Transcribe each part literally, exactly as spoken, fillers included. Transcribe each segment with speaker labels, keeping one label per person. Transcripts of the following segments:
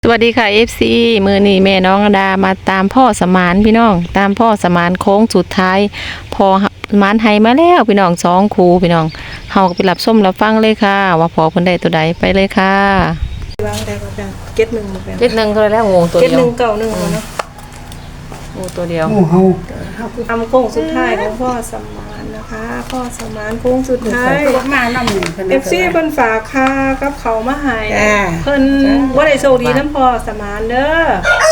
Speaker 1: สวัสดีค่ะ เอฟ ซี มือนี่แม่น้องดามาตามพ่อสมานพี่น้องตามพ่อสมานโค้งสุดท้ายพอสมานไฮมาแล้วพี่น้องสองครูพี่น้องเฮาก็ไปรับส้มรับฟังเลยค่ะ ว่าพอเพิ่นได้ตัวใดไปเลยค่ะ
Speaker 2: วางได้ก็ได้เก็ตหนึ่งหมดแล้ว
Speaker 1: เจ็ดหนึ่งก็แล้วงูตัว
Speaker 2: เก็ต
Speaker 1: เดียว
Speaker 2: หนึ่งเก่าหนึ่งเนาะ
Speaker 1: งูตัวเดียว
Speaker 3: โอ้เฮา
Speaker 2: ทำโค้งสุดท้ายของพ่อสมานนะคะ พ่อสมานโค้งสุดท้าย
Speaker 4: มาน้ำหนึ่ง
Speaker 2: เอฟซีเพิ่นฝากค่ากับเขามาให้เพิ่นบ่ได้โชคดีน้ำพ่อสมานเด้อ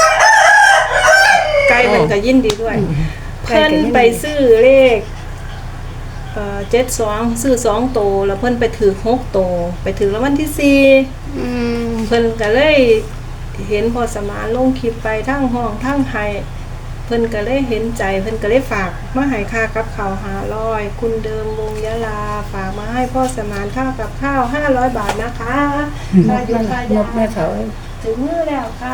Speaker 2: ไกลเพิ่นก็ยินดีด้วยเพิ่นไปซื้อเลขเอ่อเจ็ดสองซื้อสองโตแล้วเพิ่นไปถือหกโตไปถือรางวัลที่สี่เพิ่นก็เลยเห็นพ่อสมานลงคลิปไปทั้งห้องทั้งไห้เพิ่นก็เลยเห็นใจเพิ่นก็เลยฝากมาให้ค่ากับข้าวห้าร้อยคุณเดิมวงยะลาฝากมาให้พ่อสมานค่ากับข้าวห้าร้อยบาทนะคะค่าอยู่ค่ายา
Speaker 4: แม่เขา
Speaker 2: ถึงมือแล้วค่ะ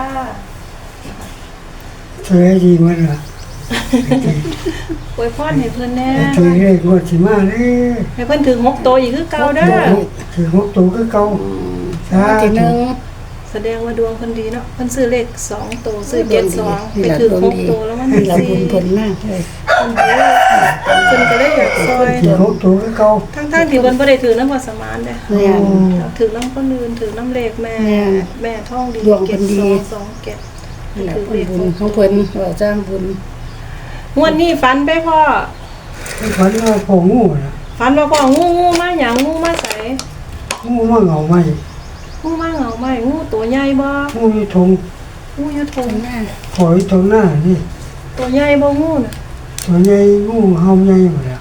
Speaker 3: สวยดีมันล่ะ
Speaker 2: อวยพรให้เพิ่นแน่
Speaker 3: สวยเลขงวดสิมาเด้
Speaker 2: ให้เพิ่นถึงหกโตอีกคือเก่าเด้อ
Speaker 3: ถือหกตัวคือเก่าสา
Speaker 4: ทีห
Speaker 3: ธุ
Speaker 4: นึ่ง
Speaker 2: แสดงว่าดวงเพิ่นดีเนาะเพิ่นซื้อเลขสองโตซื้อเจ็ดสองไปถึงหกโตแล้วมัน
Speaker 4: ให้
Speaker 2: มี
Speaker 4: เรา
Speaker 2: สี่
Speaker 4: บุญผลมากเลย
Speaker 2: เพิ่นก็เลยอยากซอย
Speaker 3: ถือหกตัวคือเก่า
Speaker 2: ทั้งๆที่เพิ่นบ่ได้ถือน้ำพอสมานเด้
Speaker 4: แม่น
Speaker 2: ถือน้ำคนอื่นถือน้ำเลขแม่
Speaker 4: แม่
Speaker 2: แม่ท่องดี
Speaker 4: ดวงเพิ่นดี
Speaker 2: เก็บสองสองเก็บ
Speaker 4: นั่นแหละผลบุญของเพิ่นว่าจ้างบุญ
Speaker 2: งวดนี้ฝันไปพ่อ
Speaker 3: ให้ฝันว่าพ่องูน่ะ
Speaker 2: ฝันว่าพ่องูงูมาหยังงูมาใส่
Speaker 3: งูมาเหงาไหม
Speaker 2: งูมาเหงาไหมงูตัวใหญ่บ่
Speaker 3: งูอยู่ทง
Speaker 2: งูอยู่ทง
Speaker 4: แม่
Speaker 3: ขอยตรงหน้านี่
Speaker 2: ตัวใหญ่บ่งูน่ะ
Speaker 3: ตัวใหญ่งูเฮาใหญ่หมดแล้ว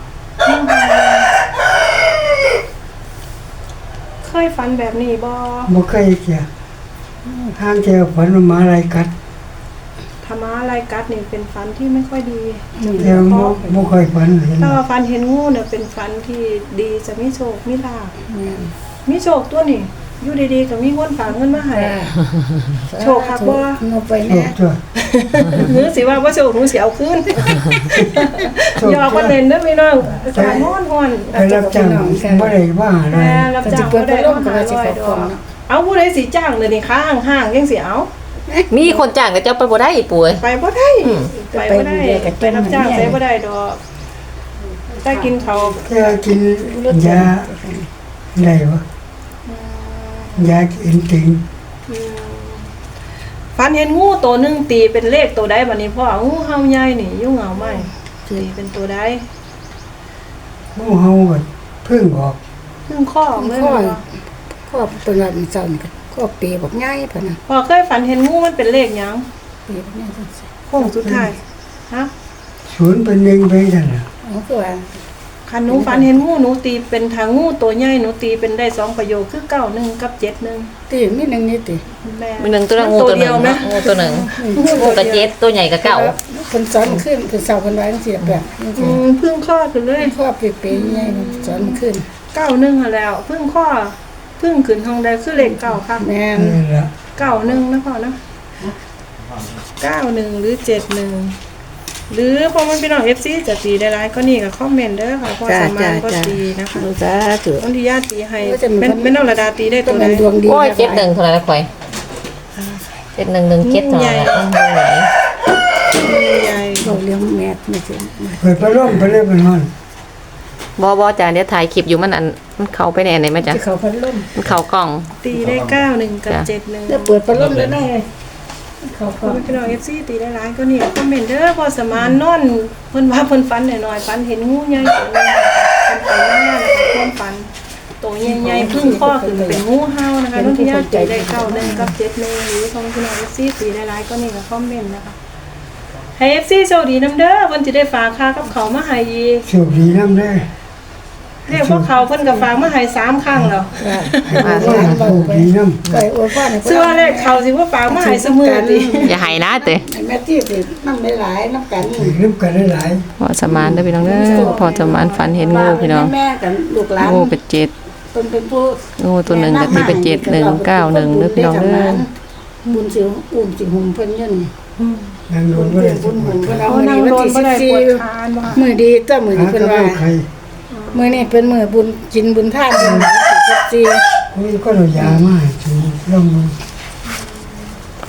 Speaker 2: เคยฝันแบบนี้บ่
Speaker 3: บ่เคยเกี่ยทางแกฝันว่าหมาอะไรกัด
Speaker 2: ธรรมะอะไรกัดนี่เป็นฝันที่ไม่ค่อยดี
Speaker 3: แต่บ่บ่เคยฝันเห็น
Speaker 2: ถ้าว่าฝันเห็นงูเนี่ยเป็นฝันที่ดีจะมีโชคมีลาภ
Speaker 4: แม่
Speaker 2: มีโชคตัวนี้อยู่ดีๆก็มีคนฝากเงินมาให้ โชคคักบ่
Speaker 4: งบไป
Speaker 3: โช
Speaker 4: แน่
Speaker 3: คตัว
Speaker 2: หรือสิว่าบ่โชคหนูสิเอาคืนยอกว่าเล่นเด้อพี่น้องอากาศร้อนร้อน
Speaker 3: ไปรับจ้างบ่ได้ว่าอะไร
Speaker 2: แม่รับจ้างบ่ได้เอาห้าร้อยดอกเอาผู้ใดสิจ้างเดี๋ยวนี้ค้าห้างๆจังสิเอา
Speaker 1: มีคนจ้างแต่เจ้าไปบ่ได้อีป่วย
Speaker 2: ไปบ่ได้ไปบ่ได้ไปรับจ้างไปบ่ได้ดอกถ้ากินเขาว
Speaker 3: แค่กินยาได้บ่ยากินติง
Speaker 2: อืมฝันเห็นงูตัวหนึงตีเป็นเลขตัวใดบัดนี้พ่องูเห่าใหญ่นี่อยู่เหงาไหมตีเป็นตัวใด
Speaker 3: งูเฮาก็เพิ่งออก
Speaker 2: เพิ่งข้อออกเลย
Speaker 4: ข้อ
Speaker 2: บ่
Speaker 4: ข้อเป็นวันเสาร์นี่ก็ปีบอกง่ายพะนะ
Speaker 2: พ่อเคยฝันเห็นงูมันเป็นเลขหยัง
Speaker 4: ปีบอกง่ายจังซี่
Speaker 2: โค้งสุดท้ายฮะ
Speaker 3: ศูนย์เป็นหนึ่งไปนั่นน่ะ
Speaker 4: อ๋อคือว่า
Speaker 2: คันหนูฝันเห็นงูหนูตีเป็นทางงูตัวใหญ่หนูตีเป็นได้สองประโยคคือเก้าหนึ่งกับเจ็ดหนึ่ง
Speaker 4: ตีมีหนึ่งนี่ติ
Speaker 2: แม่
Speaker 1: มีหนึ่งตัวละงูตัวห
Speaker 2: เดี
Speaker 1: นึ่
Speaker 2: ย
Speaker 1: ง
Speaker 2: วไหม
Speaker 1: งูตัวหนึ่งงูกระเจ็ดตัวใหญ่กับเก่า
Speaker 4: เพิ่นสอนขึ้นเพิ่นเสาเพิ่นไว้จังซี่แบบ
Speaker 2: อืมเพึ่งข้อขึ้นเลย
Speaker 4: ข้อปีปีใหญ่สอนขึ้น
Speaker 2: เก้าหนึ่งหั้นแล้วเพึ่งข้อเพึ่งขึ้นห้องใดคือเลขเก้าค่ะ
Speaker 4: แม่น
Speaker 3: นี่แหละ
Speaker 2: เก้าหนึ่งนะพ่อนะเก้าหนึ่งหรือเจ็ดหนึ่งหรือพอมันพี่น้องเอฟซีจะตีได้ไรก็นี่กับคอมเมนต์เด้อค่ะพ่อสามารถก็ตีนะคะ
Speaker 4: สาธุ
Speaker 2: บางทีญาติตีให้เป็นเป็นน้องระดาตีได้
Speaker 4: ก็
Speaker 2: ตัวใด
Speaker 4: เป็นดวงดี
Speaker 1: โอ้ยเจ็ดหนึ่งเท่าไหร่ละข่อยเจ็ดหนึ่งหนึ่งเจ็ดเท่าไหร่ละงูไหน
Speaker 2: ใหญ่
Speaker 4: เราเลี้ยงแม่ไม่ใช่
Speaker 3: เปิดพัดลมไปเลยเป็นห้อน
Speaker 1: บ่บ่จ้าเดี๋ยวถ่ายคลิปอยู่มันอันมันเข้าไปในอันไหนไหมจ้ะ
Speaker 4: ที่เขาพัดลม
Speaker 1: มันเข้ากล่อง
Speaker 2: ตีได้เก้าหนึ่งกับเจ็ดหนึ่ง
Speaker 4: จะเปิดพัดลมได้ไงเขา
Speaker 2: พอ
Speaker 4: เขา
Speaker 2: พี่น้องเอฟซีตีได้ไรก็นี่คอมเมนต์เด้อพอสมานนอนเพิ่นว่าเพิ่นฝันหน่อยๆฝันเห็นงูใหญ่ตัวนึงเพิ่นไปหน้านะคะความฝัน ตัวใหญ่ๆพึ่งข้อคือเป็นงูเห่านะคะน้องที่ญาติตีได้เก้าหนึ่งกับเจ็ดหนึ่งหรือของพี่น้องเอฟซีตีได้ไรก็นี่กับคอมเมนต์นะคะให้เอฟซีโชคดีน้ำเด้อเพิ่นจะได้ฝากค่ากับเขาวมาให้อีก
Speaker 3: โชคดีน้ำได้
Speaker 2: เรียกพวกเขาเพิ่นกับฝากมาให้สามครั้งแล้ว
Speaker 3: โชคดีน้ำ
Speaker 4: ไปอวยพร
Speaker 2: เชื่อเลขเขาสิว่าฝากมาให้เสมอติ
Speaker 1: อย่าให้นะเต้
Speaker 4: แม่ที่ติน้ำหลายน้ำกัน
Speaker 3: ถือน้ำกันได้หลาย
Speaker 1: พอสมานเด้อพี่น้องเด้อพอสมานฝันเห็นงูพี่น้อง
Speaker 4: แม่กันลูกหลาน
Speaker 1: งูเป็นเจ็ด
Speaker 4: เป็นเป็นผู้
Speaker 1: งูตัวหนึ่งก็มีเป็นเจ็ดหนึ่งเก้าหนึ่งเด้อพี่น้องเด้อ
Speaker 4: บุญสิอุ้มสิหุ่มเพิ่นยืน
Speaker 3: นางโด
Speaker 4: บุ
Speaker 3: น
Speaker 4: ญ
Speaker 3: ก็
Speaker 4: เพิ่
Speaker 3: ได้
Speaker 4: นบุญหุ่มเพิ่นเอา
Speaker 2: เอา
Speaker 4: มื้อ
Speaker 2: นั่
Speaker 4: นี้
Speaker 2: ง
Speaker 4: วัน
Speaker 2: โดน
Speaker 4: ที่
Speaker 2: บ่
Speaker 4: สิ
Speaker 2: ได้
Speaker 4: บ สี่
Speaker 2: ปวดคานว่า
Speaker 4: มื้อดีเจ้ามื้อ
Speaker 3: หา
Speaker 4: นี้เพิ่น
Speaker 3: กระ
Speaker 4: ว่า
Speaker 3: เป๋าใคร
Speaker 4: มื้อนี้เป็นมื้อบุญกินบุญทานบุญสิบสี่
Speaker 3: นี่ก็เรายามาถือลองมือ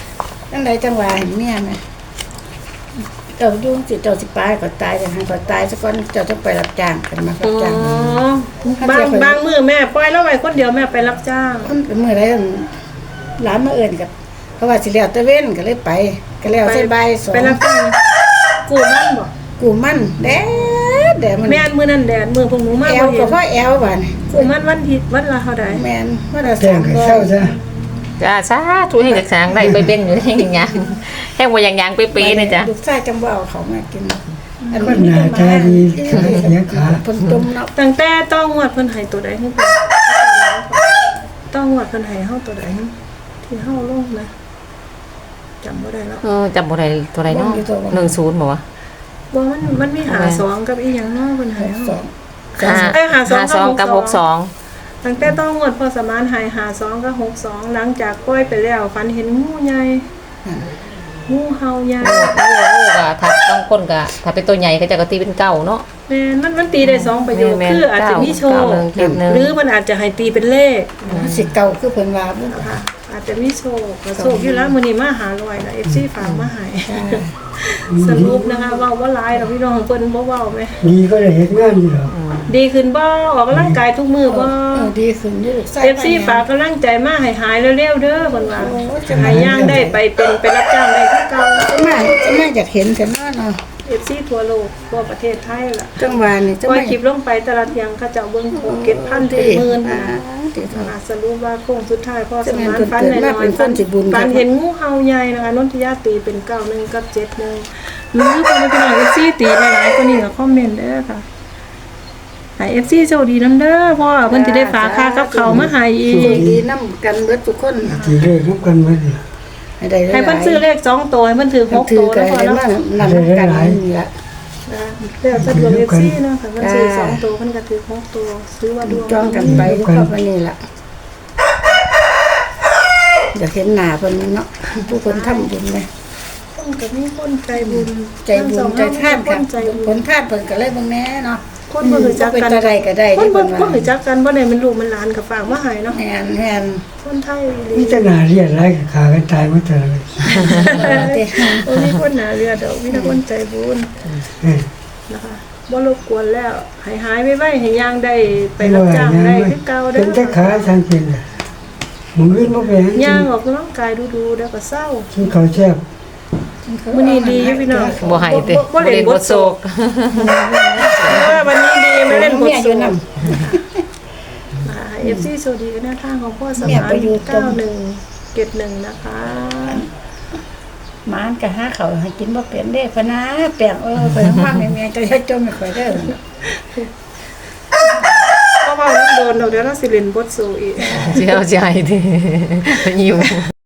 Speaker 4: จังไดจังว่าให้เมียแม่เจ้ายุ่งสิเจ้าสิตายก็ตายแต่หันก็ตายซะก่อนเจ้าต้องไปรับจ้างกันมารับ
Speaker 2: อ๋อ
Speaker 4: จ้าง
Speaker 2: บางบางมือแม่ปล่อยแล้วไว้คนเดียวแม่ไปรับจ้าง
Speaker 4: มันเป็นมื้อใดหลานมาเอิ้นกับเพราะว่าสิแล้วตะเว้นก็เลยไปก็แล้วใส่ใบายสอง
Speaker 2: ไปรับจ้างกูมันบ่
Speaker 4: กูมันแดดแดดมัน
Speaker 2: แม่นมือนั่นแดดมือพวกหนูมา
Speaker 4: แอ
Speaker 2: บ่
Speaker 4: ว
Speaker 2: เห็
Speaker 4: ก็
Speaker 2: น
Speaker 4: พอแอวบาดนี่
Speaker 2: กูมันวันที่วันละเท่าใด
Speaker 4: แม่นว่าละ
Speaker 3: แจ้ง
Speaker 4: สาม
Speaker 3: ให้
Speaker 4: ร้อ
Speaker 3: เศร้าย ซะ
Speaker 1: จ้าสาธุให้เด็กสางได้ไปเบ่งอยู่แห้งอย่างยังแห้งว่าอย่างยังเป๊ะๆนะจ๊ะ
Speaker 4: ลูกชายจังบ่เอาเขามากินอัน
Speaker 3: คนหน้าตาดีขาเสียขา
Speaker 4: เพิ่นต้มเนาะ
Speaker 2: ตั้งแต่ต้องงวดเพิ่นให้ตัวใดให้เพิ่นต้องงวดเพิ่นให้เฮาตัวใดที่เฮาลงนะจำบ่ได้แล้ว
Speaker 1: เออจำบ่ได้ตัวใดเนาะหนึ่งศูนย์บอกว่า
Speaker 2: บ่มันมันมีหาสองกับอีหยังเนาะเพิ่นให้เฮา
Speaker 4: สอง
Speaker 1: ห้า
Speaker 2: เอ้ยหาสอง
Speaker 1: ห้าสอง
Speaker 2: กั
Speaker 1: กับบ ห
Speaker 2: ห
Speaker 1: ก
Speaker 2: ก
Speaker 1: ส
Speaker 2: ส
Speaker 1: อ
Speaker 2: อง ง ตั้งแต่ต้องงวดพอสมานให้หาสองกับหกสองหลังจากปล่อยไปแล้วฝันเห็นงูใหญ่งูเห่าใหญ่
Speaker 1: โอ้โหก็ถ้าต้องคนก็ถ้าเป็นตัวใหญ่ก็จะกตีเป็นเก้าเนาะ
Speaker 2: แม่นมันมันตีได้สองประโยค
Speaker 1: แม่น
Speaker 2: คืออาจจะมีโช
Speaker 1: เก้า
Speaker 2: ค
Speaker 1: หนึ่งเจ็ดหนึ่ง
Speaker 2: หรือมันอาจจะให้ตีเป็นเลข
Speaker 4: สิเก่าคือเพิ่นว่าบ่
Speaker 2: ค่ะอาจจะมีโชคก็โชคอยู่แล้วมื้อนี้มาหาลอยนะ เอฟ ซี ฝากมาให้สรุปนะคะเว้าบ่หลายดอกพี่น้องเพิ่นบ่เว้าแม่
Speaker 3: ดีก็ได้เฮ็ดงานอยู่หรอก
Speaker 2: ดีขึ้นบ่ออกกำลังกายทุกมื้อบ่
Speaker 4: เออดีขึ้นอยู่ลูกชาย
Speaker 2: เอฟ ซี ฝากกำลังใจมาให้หายเร็วๆเด้อเพิ่นว่าให้ย่างได้ไปเป็นไปรับจ้างได้คือเก่า
Speaker 4: จะมาจะมาอยากเห็นแต่น้อเนาะ
Speaker 2: เอฟ ซี ทั่วโลกทั่วประเทศไทยล่ะ
Speaker 4: จังหวะนี่จะ
Speaker 2: ปล่อย
Speaker 4: มา
Speaker 2: คลิปลงไปแต่ละเที่ยงเขาเจ้าเบิ่งโคเก็บพันเป็นหมื่น
Speaker 4: อ่า
Speaker 2: นะ
Speaker 4: ติด
Speaker 2: อ่าสรุปว่าโค้งสุดท้ายพ่อส
Speaker 4: จะแม่
Speaker 2: มาน น
Speaker 4: เพิ่น
Speaker 2: ฟัน
Speaker 4: เกิด
Speaker 2: หน่
Speaker 4: มา
Speaker 2: อ
Speaker 4: เป็
Speaker 2: ย
Speaker 4: นคนสิบุญ
Speaker 2: ๆฟันเห็นงูเห่าใหญ่นะคะนนทิยาตีเป็นเก้าหนึ่งกับเจ็ดหนึ่งหรือคนเป็นหน่อยเอฟซีตีหลายๆก็นี่ก็คอมเมนต์เด้อค่ะให้เอฟซีโชคดีน้ำเด้อพ่อเพิ่นสิได้ฝากค่ากับเขาวมาให้อี
Speaker 4: โชค
Speaker 2: ก
Speaker 4: ดีนํกันเบิดทุกคน
Speaker 3: ทีเลิกน้ำกันมาดิ
Speaker 4: ให้ได้หลายๆ
Speaker 2: ให้เพิ่นซื้อเลขสองตัวให้เพิ่นถือหก
Speaker 4: ถื
Speaker 2: ตั
Speaker 4: อ
Speaker 2: ว
Speaker 4: กั
Speaker 2: แล้
Speaker 4: น
Speaker 2: วพอ
Speaker 4: ให้
Speaker 2: เนาะ
Speaker 4: มานำกันนี่ล่ะ
Speaker 2: นะแล้วถ้าดวงเอฟซีเนาะค่ะเพิ่นซื้อสองตัวเพิ่นก็ถือหกตัวซื้อว่าดวง
Speaker 4: จ้องกันไปทุกครอบครัวนี่ล่ะอยากเห็นหน้าเพิ่นเนาะผู้คนทำบุญเลย
Speaker 2: คนก็มีคนใจบุญ
Speaker 4: ใจบุญใจท่าน
Speaker 2: ค
Speaker 4: ค่ะ
Speaker 2: นใจบุ
Speaker 4: ผ
Speaker 2: ญ
Speaker 4: ลท่านเพิ่นก็เลยเบิ่งแน่เนาะ
Speaker 2: คนบ่รู้จัก
Speaker 4: เป็น
Speaker 2: กัน
Speaker 4: อะไรก็ได้
Speaker 2: คน
Speaker 4: ที่
Speaker 2: บ่
Speaker 4: เพิ่น
Speaker 2: คน
Speaker 4: ว่า
Speaker 2: รู้จักกันบ่ได้เป็นลูกเป็นหลานก็ฝากมาให้เนาะ
Speaker 4: แม่นแม่น
Speaker 2: คนไทย
Speaker 3: มีแต่หน้าเรียดไรกับขากันตายมาแต่ละเลย
Speaker 2: โอ้มีคนหนาเรือดอกมีแต่คนใจบุญ
Speaker 3: เออ
Speaker 2: นะคะบ่รบกวนแล้วให้หายไว้ๆให้ย่างได้ไปรับจ้างได้คือเก่าเด้
Speaker 3: เป็นแต่
Speaker 2: อ
Speaker 3: ขาทางเป็นน่ะมึงอื่นบ่แพง
Speaker 2: ย่างออกกำลังกายดูๆแล้วก็เศร้า
Speaker 3: กินข้าวแซ่บ
Speaker 2: มื้อนี้ดีอยู่พี่น้อง
Speaker 1: บ่ให้เด้
Speaker 2: บ่เล่นบทโศกเพราะว่าวันนี้ดีมาเล่นบท
Speaker 4: เมียอ
Speaker 2: โศ
Speaker 4: ยู่
Speaker 2: ก
Speaker 4: นำ
Speaker 2: นะคะ เอฟ ซี สวัสดีกันหน้าทางของพ่อสมานเก้าหนึ่งเจ็ดหนึ่งนะคะ
Speaker 4: หมานก็หาเขาวให้กินบ่เป็นเด้พะนะแปลงเออไปว่าแม่ๆจะให้จมไม่ค่อยเด้อ
Speaker 2: เพราะว่าโดนเราเดี๋ยวเราสิเล่นบทโศกอีก
Speaker 1: เจ้าใจดิหิว